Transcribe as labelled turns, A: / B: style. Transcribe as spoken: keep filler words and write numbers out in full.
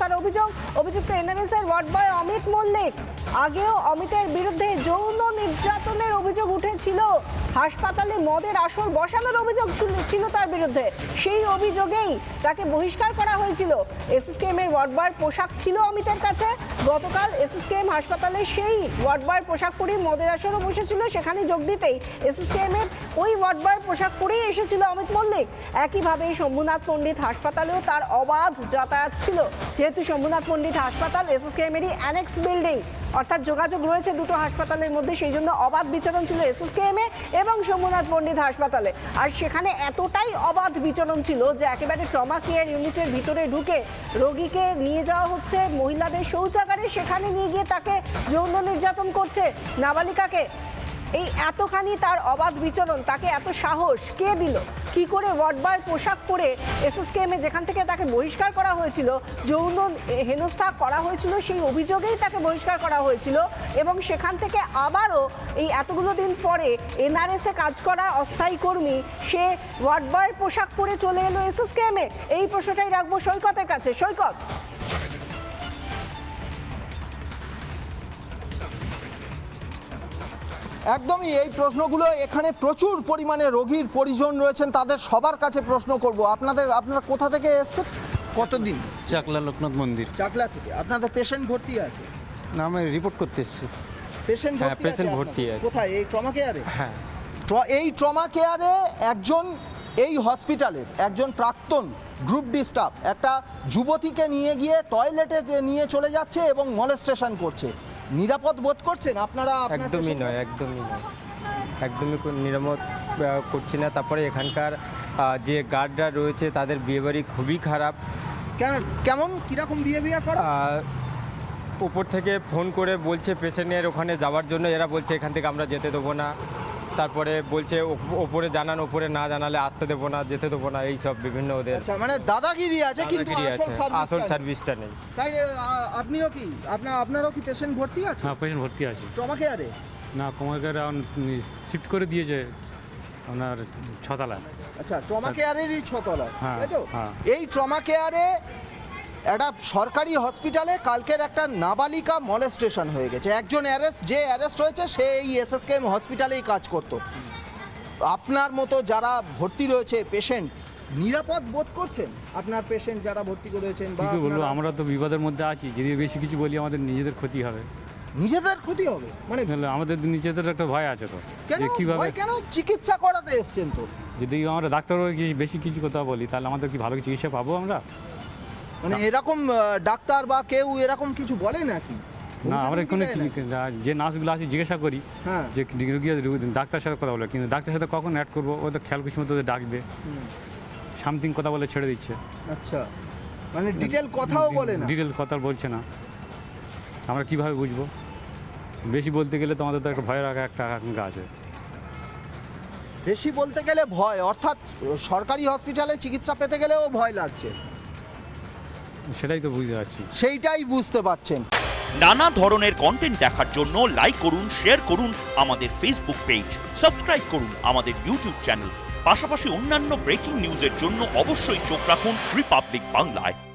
A: হত্যার অভিযোগ। অভিযুক্ত এনআরএস এর ওয়ার্ড বয় অমিত মল্লিক। আগেও অমিতের বিরুদ্ধে যৌন নির্যাতনের অভিযোগ উঠেছিল, হাসপাতালে মদের আসর বসানোর অভিযোগ ছিল তার বিরুদ্ধে। সেই অভিযোগেই তাকে বহিষ্কার করা হয়েছিল। এসএসকেএম এর ওয়ার্ড বয়ের পোশাক ছিল অমিতের কাছে। গতকাল এসএসকেএম হাসপাতালে সেই ওয়ার্ড বয়ের পোশাক পরে মদের আসরও বসেছিল, সেখানে যোগ দিতেই এসএসকেএম এর ওই ওয়ার্ড বয়ের পোশাক পরেই এসেছিল অমিত মল্লিক। একইভাবে শম্ভুনাথ পণ্ডিত হাসপাতালেও তার অবাধ যাতায়াত ছিল। যেহেতু শম্ভুনাথ পণ্ডিত হাসপাতাল এসএসকেএম এরই অ্যানেক্স বিল্ডিং, অর্থাৎ যোগাযোগ রয়েছে দুটো হাসপাতালের মধ্যে, সেই জন্য অবাধ বিচরণ ছিল এসএসকেএম এ এবং শম্ভুনাথ পণ্ডিত হাসপাতালে। আর সেখানে এতটাই অবাধ বিচরণ ছিল যে একেবারে ট্রমা কেয়ার ইউনিটের ভিতরে ঢুকে রোগীকে নিয়ে যাওয়া হচ্ছে মহিলাদের শৌচাগারে, সেখানে নিয়ে গিয়ে তাকে যৌন নির্যাতন করছে নাবালিকাকে। এই এতখানি তার অবাধ বিচরণ, তাকে এত সাহস কে দিল? কি করে ওয়ার্ড বয়ের পোশাক পরে এসএসকেএম এ যেখান থেকে তাকে বহিষ্কার করা হয়েছিল, যৌন হেনস্থা করা হয়েছিল, সেই অভিযোগেই তাকে বহিষ্কার করা হয়েছিল, এবং সেখান থেকে আবারও এই এতগুলো দিন পরে এনআরএস এ কাজ করা অস্থায়ী কর্মী সে ওয়ার্ড বয়ের পোশাক পরে চলে এলো এসএসকেএম এ। এই প্রশ্নটাই রাখবো সৈকতের কাছে। সৈকত,
B: একদমই এই প্রশ্নগুলো এখানে প্রচুর পরিমাণে রোগীর পরিজন রয়েছেন, তাদের সবার কাছে প্রশ্ন করব। আপনাদের আপনারা কোথা থেকে এসেছেন? কতদিন?
C: চাকলা লোকনাথ মন্দির।
B: চাকলা থেকে। আপনাদের পেশেন্ট ভর্তি আছে?
C: না, আমি রিপোর্ট করতে এসেছি।
B: পেশেন্ট
C: হ্যাঁ,
B: ভর্তি
C: পেশেন্ট
B: আছে
C: ভর্তি
B: আপনাদের?
C: আছে।
B: কোথায়? এই ট্রমা কেয়ারে?
C: হ্যাঁ।
B: এই ট্রমা কেয়ারে একজন এই হসপিটালের একজন প্রাক্তন গ্রুপ ডি স্টাফ একটা যুবতীকে নিয়ে গিয়ে টয়লেটে নিয়ে চলে যাচ্ছে এবং মলেস্টেশন করছে। নিরাপদ বোধ করছেন আপনারা?
D: একদমই নয়, একদমই নয়, একদমই নিরাপদ করছি না। তারপরে এখানকার যে গার্ডরা রয়েছে তাদের বিহেভিয়ার খুবই খারাপ।
B: কেন? কেমন কিরকম বিহেভিয়ার করে?
D: উপর থেকে ফোন করে বলছে পেশেন্টের ওখানে যাওয়ার জন্য, এরা বলছে এখান থেকে আমরা যেতে দেবো না। তারপরে বলছে ওপরে জানান, ওপরে না জানালে আসতে দেবো না, যেতে দেবো না, এই সব বিভিন্ন ওদের।
B: আচ্ছা, মানে দাদাগিরি আছে, কিন্তু
D: আছে, আসল সার্ভিসটা নেই।
B: তাই আপনিও কি আপনার আপনারও কি পেশেন্ট ভর্তি আছে?
E: হ্যাঁ, পেশেন্ট ভর্তি আছে।
B: ট্রমা কেয়ারে?
E: না, ট্রমা কেয়ারে শিফট করে দিয়েছে আপনার ছতলা।
B: আচ্ছা, ট্রমা কেয়ারেরই ছতলা,
E: হ্যাঁ,
B: তাই তো?
E: হ্যাঁ।
B: এই ট্রমা কেয়ারে একটা সরকারি হসপিটালে কালকের একটা নাবালিকা মলেস্টেশন হয়ে গেছে। একজন অ্যারেস্ট, যে অ্যারেস্ট হয়েছে সে এই এসএসকেএম হসপিটালেই কাজ করত। আপনার মতো যারা ভর্তি রয়েছে পেশেন্ট, নিরাপদ বোধ করছেন? আপনার পেশেন্ট যারা ভর্তি করেছেন বা
E: কি বলবো, আমরা তো বিপদের মধ্যে আছি। যদি বেশি কিছু বলি আমাদের নিজেদের ক্ষতি হবে।
B: নিজেদের ক্ষতি হবে মানে?
E: আমাদের নিজেদের একটা ভয় আছে তো,
B: কেন
E: যে কিভাবে
B: ভয়? কেন? চিকিৎসা করাতে এসেছেন তো।
E: যদি আমরা ডাক্তার বেশি কিছু কথা বলি তাহলে আমাদের কি ভালো চিকিৎসা পাবো আমরা?
B: মানে এরকম ডাক্তার বা কেউ এরকম কিছু বলে নাকি?
E: না, আমরা কোনো যে নার্সগুলো আছে জিজ্ঞাসা করি
B: হ্যাঁ,
E: যে রুগী ডাক্তার সাথে কথা বলে, কিন্তু ডাক্তার সাথে কখন অ্যাড করবো ওদের খেয়াল কিছু মতো ওদের ডাকবে, সামথিং কথা বলে ছেড়ে দিচ্ছে।
B: আচ্ছা, মানে ডিটেল কথাও বলে না?
E: ডিটেল কথা বলছে না, আমরা কিভাবে বুঝবো? বেশি বলতে গেলে তো আমাদের তো একটা ভয় রাখা একটা আকাঙ্ক্ষা আছে।
B: বেশি বলতে গেলে ভয়, অর্থাৎ সরকারি হসপিটালে চিকিৎসা পেতে গেলেও ভয় লাগছে।
E: সেটাই তো বুঝতে পারছি।
B: সেইটাই বুঝতে পারছেন।
F: নানা ধরনের কন্টেন্ট দেখার জন্য লাইক করুন, শেয়ার করুন আমাদের ফেসবুক পেজ, সাবস্ক্রাইব করুন আমাদের ইউটিউব চ্যানেল। পাশাপাশি অন্যান্য ব্রেকিং নিউজের জন্য অবশ্যই চোখ রাখুন রিপাবলিক বাংলায়।